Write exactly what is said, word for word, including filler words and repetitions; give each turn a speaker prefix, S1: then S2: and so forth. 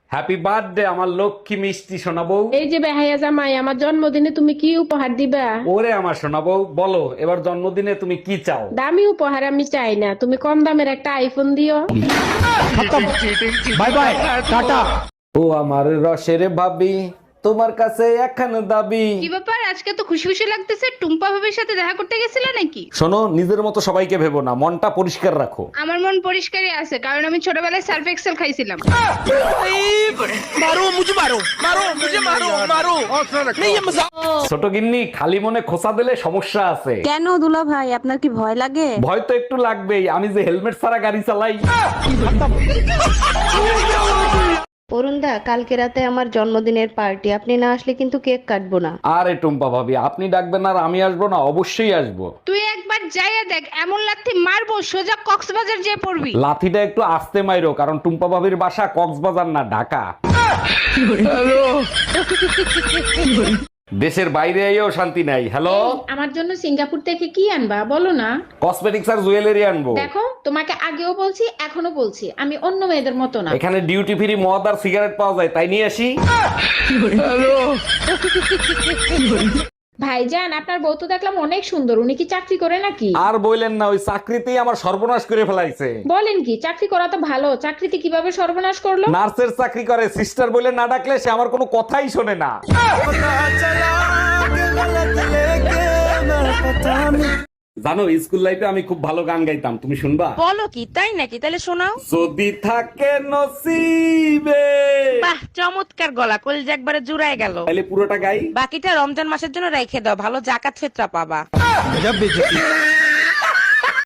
S1: Happy birthday আমার লক্ষ্মী মিষ্টি শোনাবো।
S2: এই যে বেহাইয়া জামাই, আমার জন্মদিনে তুমি কি উপহার দিবা?
S1: ওরে আমার শোনাবো, বলো এবার জন্মদিনে তুমি কি চাও?
S2: দামি উপহার আমি চাই না, তুমি কম দামের একটা আইফোন দিও।
S1: Bye bye tata. ও আমার রসের ভাবি, তোমার কাছে একখান দাবি।
S3: কি ব্যাপার, আজকে তো খুশি খুশি লাগতেছে? টুম্পা ভাবির সাথে দেখা করতে গেছিলে নাকি?
S1: শোনো, নিজের মতো সবাইকে ভেবো না, মনটা পরিষ্কার রাখো।
S3: আমার মন পরিষ্কারই আছে, কারণ আমি ছোটবেলায় সার্ফ এক্সেল খাইছিলাম।
S1: ছোট গিন্নি, খালি মনে খোসা দিলে সমস্যা আছে।
S4: কেন দুলা ভাই, আপনার কি ভয় লাগে?
S1: ভয় তো একটু লাগবেই, আমি যে হেলমেট ছাড়া গাড়ি চালাই।
S5: অরুণদা, কালকে রাতে আমার জন্মদিনের পার্টি, আপনি না আসলে কিন্তু কেক কাটবো না।
S1: আরে টুম্পা ভাবি, আপনি ডাকবেন আর আমি আসবো না? অবশ্যই আসবো।
S3: তুই একবার যাইয়া দেখ, এমন লাথি মারবো সোজা কক্সবাজার যেয়ে পড়বি।
S1: লাথিটা একটু আস্তে মাইরো, কারণ টুম্পা ভাবির বাসা কক্সবাজার না ঢাকা। দেশের বাইরে এও শান্তি নাই। হ্যালো,
S2: আমার জন্য সিঙ্গাপুর থেকে কি আনবা বলো না?
S1: কসমেটিক্স আর জুয়েলারি আনবো।
S2: দেখো, তোমাকে আগেও বলছি এখনো বলছি, আমি অন্য মেয়েদের মতো না।
S1: এখানে ডিউটি ফ্রি মদ আর সিগারেট পাওয়া যায়, তাই নিয়ে আসি।
S2: ভাইজান, আপনার বউ তো দেখলাম অনেক সুন্দর, উনি কি চাকরি করে নাকি?
S1: আর বললেন না, ওই চাকরিতেই আমার সর্বনাশ করে ফেলাইছে।
S2: বলেন কি, চাকরি করা তো ভালো, চাকরিতে কিভাবে সর্বনাশ করলো?
S1: নার্সের চাকরি করে, সিস্টার বলে না ডাকলে সে আমার কোনো কথাই শোনে না। জানো, স্কুল লাইফে আমি খুব ভালো গান গাইতাম, তুমি শুনবা?
S4: বলো কি, তাই নাকি? তাহলে শোনাও।
S1: যদি থাকে নসিবে।
S4: বাহ, চমৎকার গলা, কলিজা একবারে জুড়ায় গেল।
S1: তাহলে পুরোটা গাই।
S4: বাকিটা রমজান মাসের জন্য রেখে দাও, ভালো জাকাত ফিতরা পাবা।